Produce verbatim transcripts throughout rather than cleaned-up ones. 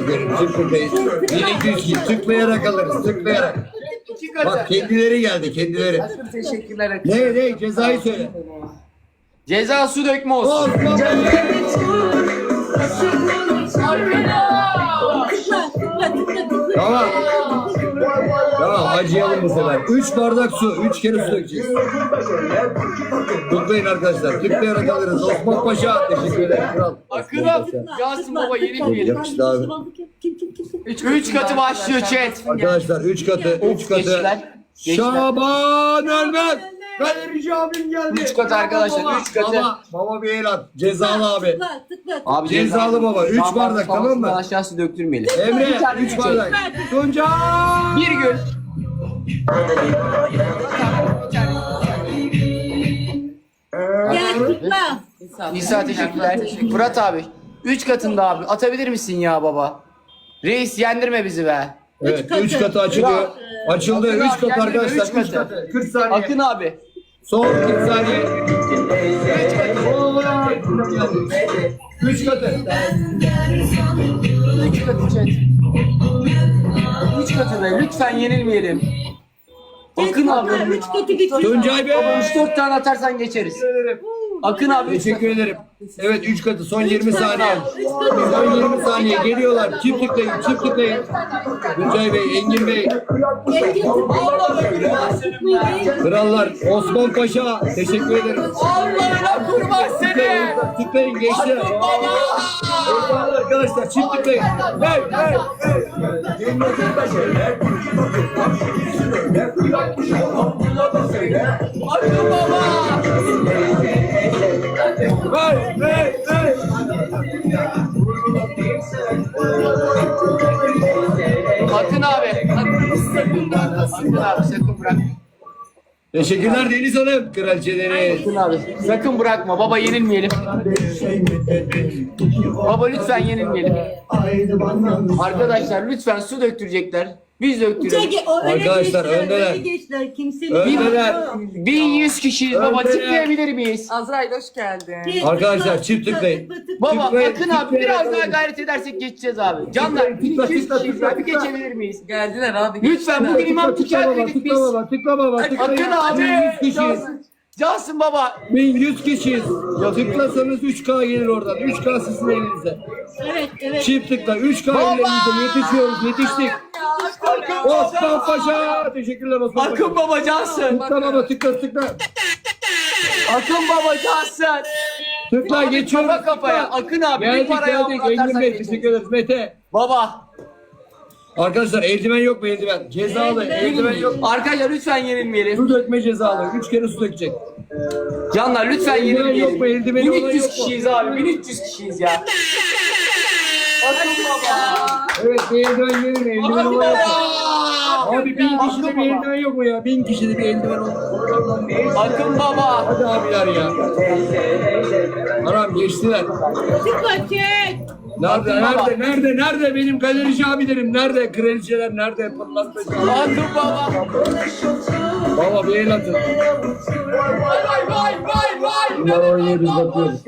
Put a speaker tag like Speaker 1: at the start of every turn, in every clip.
Speaker 1: ederim. Tıklayın. bin iki yüz kişi tıklayarak alırız. Tıklayarak. Bak kendileri geldi kendileri.
Speaker 2: Teşekkürler.
Speaker 1: Ne ne cezayı söyle.
Speaker 3: Ceza su dökme olsun.
Speaker 1: Osman Bey. Tamam. Tamam acıyalım bu sefer. Üç bardak su. Üç kere su dökeceğiz. Tıklayın arkadaşlar. Tıklayarak alırız. Osman Paşa. Teşekkür ederim. Kral.
Speaker 3: Akın'a Yasin Baba yenilmeyelim.
Speaker 1: Yakıştı abi.
Speaker 4: Kim kim kim kim?
Speaker 3: Üç, üç katı başlıyor chat.
Speaker 1: Arkadaşlar üç katı. Üç katı.
Speaker 3: Geçtiler. Geçtiler.
Speaker 1: Şaban Ölmez. Galerici abim geldi.
Speaker 3: Üç katı arkadaşlar,
Speaker 1: Baba,
Speaker 3: üç katı.
Speaker 1: Baba, baba bir el at. Cezalı abi.
Speaker 4: Tıkla tıkla.
Speaker 3: Abi
Speaker 1: Cezalı baba. Üç bardak tamam mı?
Speaker 3: Aşağısı döktürmeyelim.
Speaker 1: Emre üç bardak. Tunca.
Speaker 3: Bir gün.
Speaker 4: Gel tıkla.
Speaker 3: Nisa teşekkürler. Murat abi. Üç katında abi. Atabilir misin ya baba? Reis yendirme bizi be.
Speaker 1: Evet
Speaker 4: katı.
Speaker 1: üç katı açılıyor. Açıldı.
Speaker 3: Akın
Speaker 1: Üç
Speaker 3: abi,
Speaker 1: katı
Speaker 3: kendine
Speaker 1: arkadaşlar.
Speaker 3: üç
Speaker 1: Üç
Speaker 3: katı.
Speaker 1: katı. kırk saniye.
Speaker 3: Akın abi.
Speaker 1: Son kırk saniye. Üç katı.
Speaker 3: Üç katı chat. Üç katı be. Lütfen yenilmeyelim. Akın abi.
Speaker 4: Üç katı geçiyor.
Speaker 1: Tuncay Bey.
Speaker 3: Üç dört tane atarsan geçeriz. Akın abi. üç
Speaker 1: Teşekkür ederim. Evet üç katı son yirmi saniye. Son yirmi saniye geliyorlar. Çift tıklayın, çift tıklayın. Tuncay Bey, Engin Bey, krallar, Osman Paşa. Teşekkür ederim.
Speaker 3: Allah'ına kurban seni.
Speaker 1: Tıklayın gençler. Eyvallah arkadaşlar çift tıklayın. Hey hey
Speaker 3: Akın baba.
Speaker 1: hey hey hey.
Speaker 3: Akın abi. Akın abi sakın bırak.
Speaker 1: Teşekkürler Deniz Hanım. Kraliçeleri.
Speaker 3: Akın abi sakın bırakma. Baba yenilmeyelim. Baba lütfen yenilmeyelim. Arkadaşlar lütfen su döktürecekler. Biz döktürelim.
Speaker 4: Çek, o öne
Speaker 1: Arkadaşlar,
Speaker 4: geçtiler,
Speaker 1: öndeler.
Speaker 4: öne geçtiler. Kimse
Speaker 1: Öndeler.
Speaker 3: bin yüz kişiyiz baba.
Speaker 1: Öndeler.
Speaker 3: Tıklayabilir miyiz?
Speaker 2: Azrail hoş geldin.
Speaker 1: Arkadaşlar, çift tıklayın.
Speaker 3: Baba
Speaker 1: Tıklayın,
Speaker 3: Akın abi
Speaker 1: tıklayın.
Speaker 3: biraz daha gayret edersek geçeceğiz abi. Canlar bin iki yüz
Speaker 1: tıkla,
Speaker 3: kişiyiz.
Speaker 1: tıkla,
Speaker 3: Bir
Speaker 1: tıkla.
Speaker 3: geçebilir miyiz?
Speaker 2: Geldiler abi.
Speaker 3: Lütfen bugün imam
Speaker 1: Tıkla
Speaker 3: tüccar
Speaker 1: baba,
Speaker 3: dedik
Speaker 1: tıkla
Speaker 3: biz.
Speaker 1: baba, tıkla baba, tıklayın.
Speaker 3: Akın abi.
Speaker 1: bin yüz kişiyiz.
Speaker 3: Cansın baba.
Speaker 1: bin yüz kişiyiz. Tıklasanız üç K gelir oradan. üç K sizin elinize.
Speaker 4: Evet evet.
Speaker 1: Çift tıkla. üç K elinize. Yetişiyoruz. Yetiştik. Osman Paşa. Teşekkürler Osman Paşa.
Speaker 3: Akın baba cansın.
Speaker 1: Tıkla baba, tıkla tıkla.
Speaker 3: Akın baba cansın.
Speaker 1: Tıkla geçiyoruz.
Speaker 3: Kafa kafaya.
Speaker 1: tıkla.
Speaker 3: Akın abi bir
Speaker 1: Geldik
Speaker 3: paraya
Speaker 1: geldik. Engin
Speaker 3: atarsak
Speaker 1: Bey
Speaker 3: geçeriz.
Speaker 1: teşekkür ederiz. Mete.
Speaker 3: Baba.
Speaker 1: Arkadaşlar eldiven yok mu eldiven? Cezalı. Eldiven yok.
Speaker 3: Arkadaşlar lütfen yenilmeyelim.
Speaker 1: Su dökme cezalı. Üç kere su dökecek.
Speaker 3: Canlar lütfen
Speaker 1: Eldiven yok mu?
Speaker 3: yenilmeyelim.
Speaker 1: Eldiveni olan
Speaker 3: bin üç yüz
Speaker 1: yok mu?
Speaker 3: kişiyiz abi. bin üç yüz kişiyiz ya. Akın baba.
Speaker 1: Evet bir eldiven verin. Eldiven
Speaker 3: Akın
Speaker 1: olan yok mu?
Speaker 3: baba.
Speaker 1: Abi bin kişide
Speaker 3: Akın
Speaker 1: bir
Speaker 3: baba.
Speaker 1: eldiven yok mu ya? Bin kişide bir eldiven olur.
Speaker 3: Akın baba.
Speaker 1: Hadi abiler ya. Haram geçtiler.
Speaker 4: Tıkla çek.
Speaker 1: Nerede,
Speaker 3: Akın baba.
Speaker 1: nerede, nerede, nerede benim galerici abilerim? Nerede? Kraliçeler nerede? Pırlantacı.
Speaker 3: Akın baba.
Speaker 1: Baba bir el atın.
Speaker 3: Vay vay vay vay vay.
Speaker 1: Bunlar oynuyor biz bakıyoruz.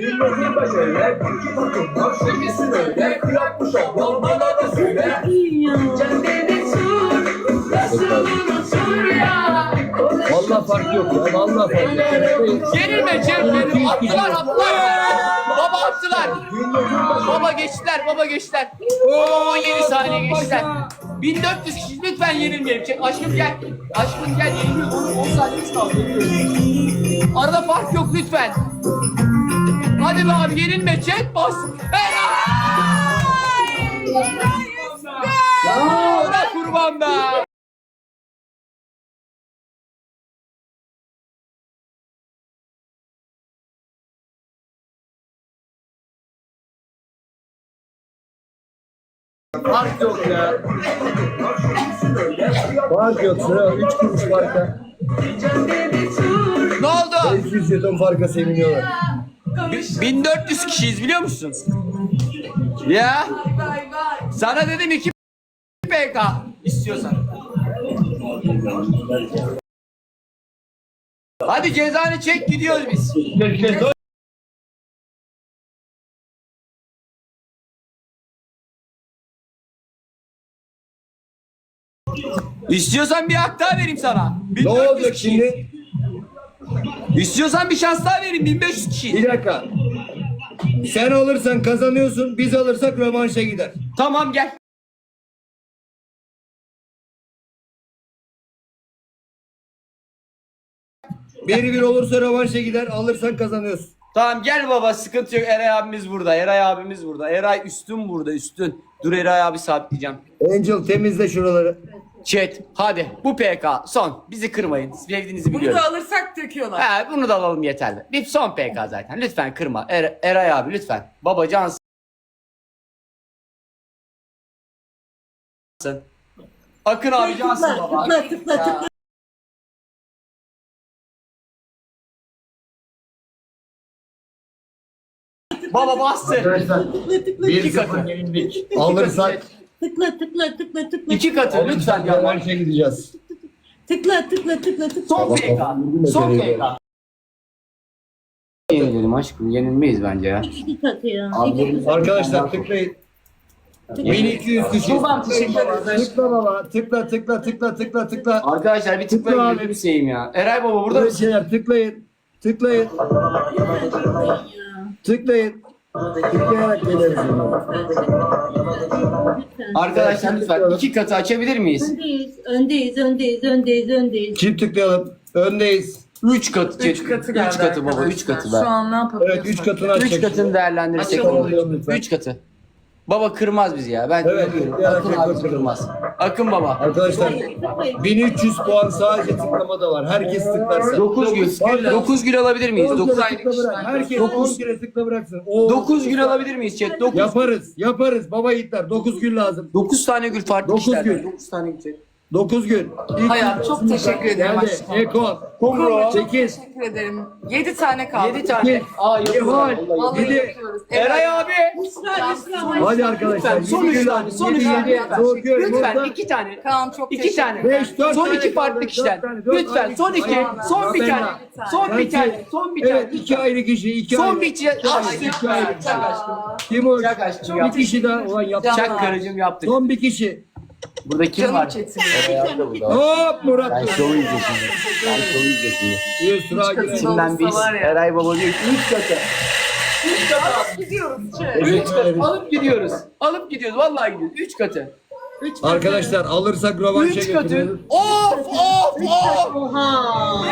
Speaker 1: Vallahi fark yok ya. Vallahi fark yok.
Speaker 3: Yenilme Cem benim. Attılar attılar. Baba attılar. Baba geçtiler baba geçtiler. Oo yedi saniye geçtiler. bin dört yüz kişi lütfen yenilmeyelim. Çek, aşkım gel. Aşkım gel yeniliyoruz. on saniyemiz kaldı. Yeniliyoruz. Arada fark yok lütfen. Hadi be abi yenilme. Chat bas. Helal. Ona kurban be.
Speaker 1: Fark yok ya. Fark yok. Sıra üç kuruş farka.
Speaker 3: Ne oldu?
Speaker 1: beş yüz jeton farka seviniyorlar.
Speaker 3: bin dört yüz kişiyiz biliyor musun? Ya. Sana dedim iki P K istiyorsan. Hadi cezanı çek gidiyoruz biz. İstiyorsan bir hak daha vereyim sana.
Speaker 1: Ne
Speaker 3: bin dört yüz
Speaker 1: olacak
Speaker 3: kişiyiz.
Speaker 1: şimdi?
Speaker 3: İstiyorsan bir şans daha vereyim. bin beş yüz kişi.
Speaker 1: Bir dakika. Sen alırsan kazanıyorsun, biz alırsak rövanşa gider.
Speaker 3: Tamam gel.
Speaker 1: bir bir olursa rövanşa gider, alırsan kazanıyorsun.
Speaker 3: Tamam gel baba, sıkıntı yok. Eray abimiz burada. Eray abimiz burada. Eray üstün burada, üstün. Dur Eray abi sabitleyeceğim.
Speaker 1: Angel temizle şuraları.
Speaker 3: Chat hadi bu P K son. Bizi kırmayın. Sevdiğinizi
Speaker 2: Bunu
Speaker 3: biliyorum.
Speaker 2: da alırsak döküyorlar.
Speaker 3: He, bunu da alalım yeterli. Bir son P K zaten. Lütfen kırma. Er- Eray abi lütfen. Baba cansın. Akın abi cansın
Speaker 4: Tıkla
Speaker 3: baba.
Speaker 4: tıkla tıkla tıkla.
Speaker 3: Baba bastı.
Speaker 1: Arkadaşlar
Speaker 4: Tıkla tıkla
Speaker 1: bir
Speaker 3: İki katı.
Speaker 1: sıfır yenildik. Alırsak
Speaker 4: tıkla tıkla tıkla tıkla.
Speaker 3: İki katı lütfen ya.
Speaker 1: rövanşa gideceğiz.
Speaker 4: Tıkla tıkla tıkla tıkla.
Speaker 3: Son P K. Son P K. Yenilelim aşkım. Yenilmeyiz bence ya.
Speaker 4: İki katı ya.
Speaker 1: Arkadaşlar tıklayın. bin iki yüz kişi.
Speaker 3: Babam teşekkür ederiz.
Speaker 1: Tıkla baba. Tıkla tıkla tıkla tıkla tıkla.
Speaker 3: Arkadaşlar bir tıklayın
Speaker 1: Tıkla abi.
Speaker 3: gözünü seveyim ya. Eray baba burada
Speaker 1: Burada
Speaker 3: mısın?
Speaker 1: şeyler tıklayın. Tıklayın. Tıklayın. Tıklayarak geliriz.
Speaker 3: Arkadaşlar lütfen iki katı açabilir miyiz?
Speaker 4: Öndeyiz, öndeyiz, öndeyiz, öndeyiz, öndeyiz.
Speaker 1: Çift tıklayalım. Öndeyiz.
Speaker 3: Üç katı.
Speaker 2: Üç katı
Speaker 3: Üç
Speaker 2: geldi
Speaker 3: katı baba.
Speaker 2: arkadaşlar.
Speaker 3: Üç katı
Speaker 2: Şu
Speaker 3: be.
Speaker 2: an ne yapabiliyorsak.
Speaker 1: Evet üç katını açacak.
Speaker 3: Üç katını değerlendirirsek
Speaker 2: Açalım
Speaker 3: olur.
Speaker 1: lütfen.
Speaker 3: Üç katı. Baba kırmaz bizi ya. Ben
Speaker 1: Evet,
Speaker 3: güveniyorum.
Speaker 1: tıklayarak
Speaker 3: Akın
Speaker 1: rekor
Speaker 3: abi
Speaker 1: kırmaz.
Speaker 3: kırmaz. Akın baba.
Speaker 1: Arkadaşlar bin üç yüz puan sadece tıklamada var. Herkes tıklarsa.
Speaker 3: Dokuz gül. Dokuz gül alabilir miyiz?
Speaker 1: on
Speaker 3: Dokuz
Speaker 1: kere tıkla bırak. Herkes
Speaker 3: Dokuz.
Speaker 1: on kere tıkla bıraksın. O-
Speaker 3: Dokuz gül alabilir miyiz chat? Dokuz.
Speaker 1: Yaparız. Yaparız. Baba yiğitler. dokuz gül lazım.
Speaker 3: Dokuz tane gül farklı
Speaker 1: Dokuz
Speaker 3: kişilerden.
Speaker 1: gül.
Speaker 3: Dokuz tane gül chat.
Speaker 1: dokuz gül. İlk
Speaker 2: Hayat, çok teşekkür ederim
Speaker 1: Geldi.
Speaker 2: aşkım.
Speaker 1: Eko.
Speaker 3: Kumru.
Speaker 1: sekiz.
Speaker 2: Teşekkür ederim. Yedi tane kaldı.
Speaker 3: Yedi tane. Aa
Speaker 1: İhval.
Speaker 3: yapıyorlar. vallahi.
Speaker 2: Vallahi
Speaker 1: Yedi.
Speaker 2: yapıyoruz.
Speaker 3: Eray abi.
Speaker 4: Esra, Esra.
Speaker 1: Hadi arkadaşlar.
Speaker 3: Lütfen son
Speaker 1: yedi
Speaker 3: üç
Speaker 1: gül
Speaker 3: tane.
Speaker 1: lazım.
Speaker 3: Son
Speaker 1: Yedi,
Speaker 3: üç tane.
Speaker 1: yedi. Dokuz gül.
Speaker 3: Lütfen
Speaker 1: Burada.
Speaker 3: iki tane.
Speaker 2: Kaan çok
Speaker 3: İki
Speaker 2: teşekkür
Speaker 3: tane.
Speaker 2: ederim.
Speaker 1: Beş, dört
Speaker 3: Son
Speaker 1: tane
Speaker 3: iki farklı
Speaker 1: kaldı.
Speaker 3: kişiden.
Speaker 1: Dört tane, dört
Speaker 3: Lütfen
Speaker 1: tane.
Speaker 3: son iki.
Speaker 1: Hayır.
Speaker 3: Son bir
Speaker 1: Ben-
Speaker 3: tane. Son bir
Speaker 1: Belki-
Speaker 3: tane. Son bir
Speaker 1: Evet
Speaker 3: tane.
Speaker 1: iki ayrı kişi. iki
Speaker 3: Son
Speaker 1: ayrı.
Speaker 3: bir kişi.
Speaker 1: İki ayrı,
Speaker 3: Aşkım.
Speaker 1: iki ayrı.
Speaker 3: Çak aşkım.
Speaker 1: Kim o?
Speaker 3: Çak aşkım.
Speaker 1: Bir
Speaker 3: Yaptık.
Speaker 1: kişi daha. Ulan yapacak.
Speaker 3: Çak karıcığım yaptık.
Speaker 1: Son bir kişi.
Speaker 3: Burada kim
Speaker 2: Canım
Speaker 3: var?
Speaker 2: çetin.
Speaker 1: Hop Murat.
Speaker 3: Ben şovu izle şimdi. Ben şovu izle şimdi.
Speaker 1: Bir sıra girer.
Speaker 3: İçinden biz.
Speaker 2: Olsa var ya.
Speaker 3: Eray baba diyor ki üç katı. Üç katı.
Speaker 2: Gidiyoruz.
Speaker 3: Üç katı. Alıp gidiyoruz. Alıp gidiyoruz. Vallahi gidiyoruz. Üç katı.
Speaker 1: Arkadaşlar alırsak rövanşa
Speaker 3: Üç katı.
Speaker 1: götürüyoruz.
Speaker 3: Of of of.
Speaker 4: Oha.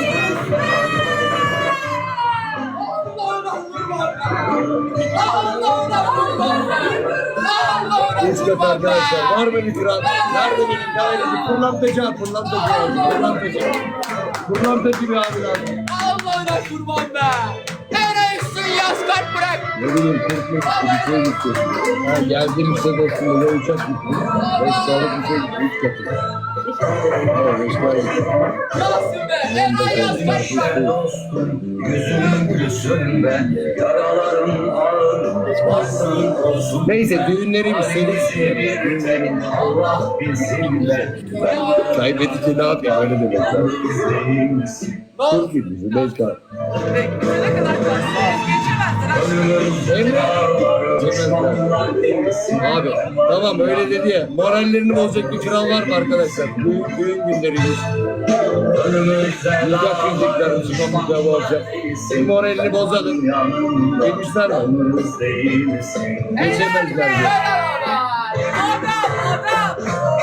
Speaker 1: Üç katı arkadaşlar. Var mı bir kral? Nerede benim dairesi? Pırlantacı abi. Pırlantacı abi. Pırlantacı. Pırlantacı bir abi lazım.
Speaker 3: Allah'ına kurban be. Eray üstün yaz kart bırak.
Speaker 1: Ne bileyim korkmak bir şey gitti. Ha geldim işte dostum. Ya uçak gitti. Beş sağlık bir şey gitti. Üç katı. Evet beş tane gitti.
Speaker 3: Yazsın be. Eray yaz kart bırak.
Speaker 1: Neyse düğünlerimiz senin düğünlerin Allah bilsinler. Kaybedince ne yapayım öyle demek. Çok iyi bizi beş tane.
Speaker 2: Ne kadar geçemezler.
Speaker 1: Emre. Cemezler. Abi tamam öyle dedi ya. Morallerini bozacak bir kral var mı arkadaşlar? Düğün, düğün günlerimiz. Nikah kıyacaklarımız kapıda bu akşam. Bir moralini bozalım. Demişler mi? Geçemezler diye.
Speaker 2: Adam adam.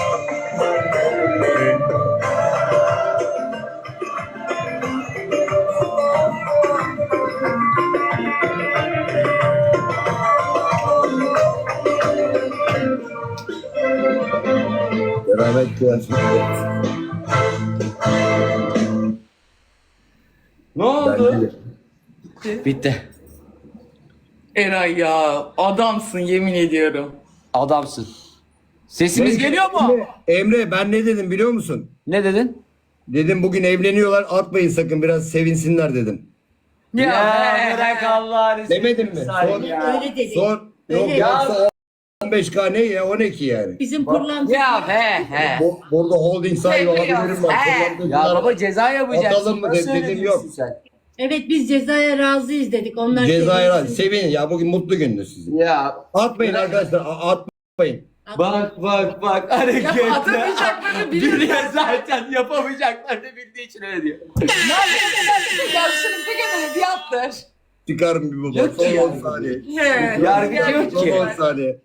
Speaker 1: Beraber kıyarsın.
Speaker 3: Ne oldu?
Speaker 1: Bence.
Speaker 3: Bitti.
Speaker 2: Eray ya adamsın yemin ediyorum.
Speaker 3: Adamsın. Sesimiz
Speaker 1: Neyse,
Speaker 3: geliyor mu?
Speaker 1: Emre, Emre ben ne dedim biliyor musun?
Speaker 3: Ne dedin?
Speaker 1: Dedim bugün evleniyorlar atmayın sakın biraz sevinsinler dedim.
Speaker 2: Ya,
Speaker 3: Ya bırak Allah'ını
Speaker 1: Demedim mi? Sor.
Speaker 4: Öyle dedi.
Speaker 1: Sor. Yok
Speaker 4: Öyle.
Speaker 1: yoksa on beş K ne ya on iki yani.
Speaker 4: Bizim pırlanta.
Speaker 3: Ya he he.
Speaker 1: Bu, burada holding sahibi olabilirim var.
Speaker 3: He.
Speaker 1: Kullandıklar.
Speaker 3: Ya baba ceza yapacaksın.
Speaker 1: Atalım mı
Speaker 3: Nasıl
Speaker 1: dedim,
Speaker 3: öyle
Speaker 1: yok.
Speaker 3: diyorsun sen?
Speaker 4: Evet biz cezaya razıyız dedik. Onlar
Speaker 1: Cezayir
Speaker 4: sevinsin.
Speaker 1: sevin ya bugün mutlu gündür sizin.
Speaker 3: Ya
Speaker 1: Atmayın arkadaşlar a- atmayın.
Speaker 3: Bak bak bak hareketler.
Speaker 2: Yapamayacaklarını biliyor.
Speaker 3: Biliyor zaten yapamayacaklarını bildiği için öyle diyor.
Speaker 2: Yarışını bir gün öyle bir yaptır.
Speaker 1: Çıkarım bir baba.
Speaker 3: Yok ki
Speaker 1: Son
Speaker 3: ya.
Speaker 1: on saniye.
Speaker 2: He.
Speaker 3: Yargıcı yok
Speaker 1: Son
Speaker 3: ki.
Speaker 1: on saniye.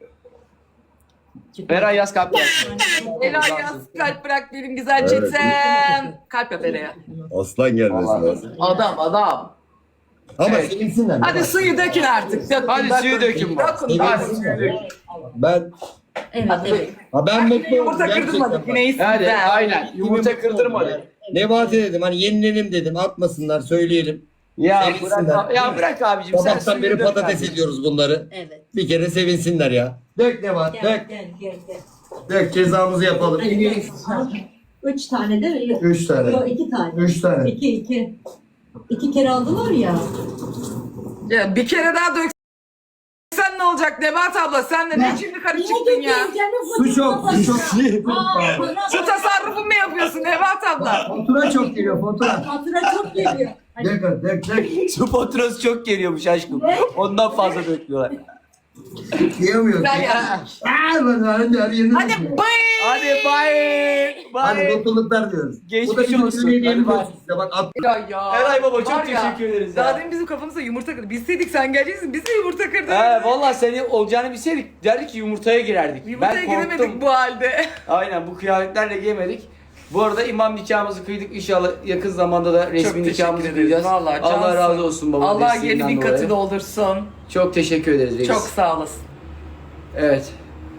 Speaker 3: Eray yaz kalp yaz.
Speaker 2: Ela yaz kalp bırak benim güzel
Speaker 1: Evet.
Speaker 2: çetem. Kalp yap Ela'ya.
Speaker 1: Aslan gelmesi
Speaker 3: Allah
Speaker 1: lazım.
Speaker 2: Adam adam.
Speaker 1: Ama
Speaker 3: Evet.
Speaker 1: sevinsinler.
Speaker 2: Hadi suyu dökün artık. Dökün,
Speaker 3: Hadi
Speaker 2: dökün.
Speaker 3: suyu dökün bak.
Speaker 2: Dökün,
Speaker 3: Hadi
Speaker 2: dökün.
Speaker 3: suyu dökün.
Speaker 1: Ben
Speaker 4: Evet evet.
Speaker 1: ha ben mutlu oldum.
Speaker 2: Yumurta
Speaker 1: gerçekten
Speaker 2: kırdırmadık
Speaker 1: bak.
Speaker 2: yine iyisin.
Speaker 3: Hadi aynen. Yumurta kırdırmadı.
Speaker 1: Nebati dedim hani yenilelim dedim atmasınlar söyleyelim.
Speaker 3: Ya
Speaker 1: Sevinsinler.
Speaker 3: bırak, ya bırak abicim sen
Speaker 1: Sabahtan
Speaker 3: suyu
Speaker 1: beri
Speaker 3: dök
Speaker 1: patates
Speaker 3: kardeşim.
Speaker 1: ediyoruz bunları.
Speaker 4: Evet.
Speaker 1: Bir kere sevinsinler ya. Dök Nebat
Speaker 4: Gel
Speaker 1: dök.
Speaker 4: gel gel gel.
Speaker 1: Dök cezamızı yapalım.
Speaker 4: Hadi gel. Üç tane değil mi? Yok.
Speaker 1: Üç tane.
Speaker 4: Yok, iki tane.
Speaker 1: Üç tane.
Speaker 4: İki iki. İki kere aldılar ya.
Speaker 2: Ya bir kere daha döksen ne olacak Nebat abla? Sen de ne şimdi karı çıktın ya?
Speaker 1: Su çok, su çok.
Speaker 2: Su tasarrufu mu yapıyorsun Nebat abla?
Speaker 1: Fatura çok geliyor fatura.
Speaker 4: Fatura çok geliyor.
Speaker 1: Dök dök dök.
Speaker 3: Su faturası çok geliyormuş aşkım. Ondan fazla döküyorlar.
Speaker 1: Yiyemiyorum.
Speaker 2: Güzel ya.
Speaker 1: Aaa ben hadi her yerini
Speaker 2: Hadi
Speaker 1: döküyorum.
Speaker 2: bay.
Speaker 3: Hadi bay.
Speaker 1: Hadi
Speaker 3: Bay.
Speaker 1: mutluluklar diyoruz.
Speaker 3: Geçmiş
Speaker 1: Bu da bir
Speaker 3: olsun.
Speaker 1: hediyelim
Speaker 3: Hadi bay.
Speaker 1: olsun size. Bak at.
Speaker 2: Ya ya.
Speaker 3: Eray baba, çok
Speaker 2: Var ya,
Speaker 3: teşekkür ederiz ya.
Speaker 2: Daha demin bizim kafamıza yumurta kırdı. Bilseydik sen geleceksin biz de yumurta kırdık.
Speaker 3: He vallahi seni olacağını bilseydik derdik ki yumurtaya girerdik.
Speaker 2: Yumurtaya
Speaker 3: ben korktum.
Speaker 2: giremedik bu halde.
Speaker 3: Aynen bu kıyafetlerle giyemedik. Bu arada imam nikahımızı kıydık. İnşallah yakın zamanda da resmi
Speaker 2: Çok teşekkür
Speaker 3: nikahımızı
Speaker 2: ederiz.
Speaker 3: kıyacağız.
Speaker 2: Vallahi
Speaker 3: Allah
Speaker 2: cansın.
Speaker 3: razı olsun baba.
Speaker 2: Allah
Speaker 3: desteğinden
Speaker 2: yedi bin
Speaker 3: dolayı.
Speaker 2: katı doldursun.
Speaker 3: Çok teşekkür ederiz reis.
Speaker 2: Çok sağ olasın.
Speaker 3: Evet.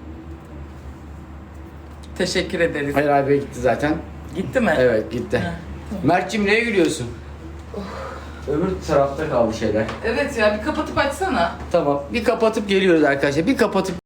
Speaker 2: Teşekkür ederiz.
Speaker 3: Eray Bey gitti zaten.
Speaker 2: Gitti mi?
Speaker 3: Evet gitti. Mert'cim neye gülüyorsun? Öbür tarafta kaldı şeyler.
Speaker 2: Evet ya bir kapatıp açsana.
Speaker 3: Tamam. Bir kapatıp geliyoruz arkadaşlar. Bir kapatıp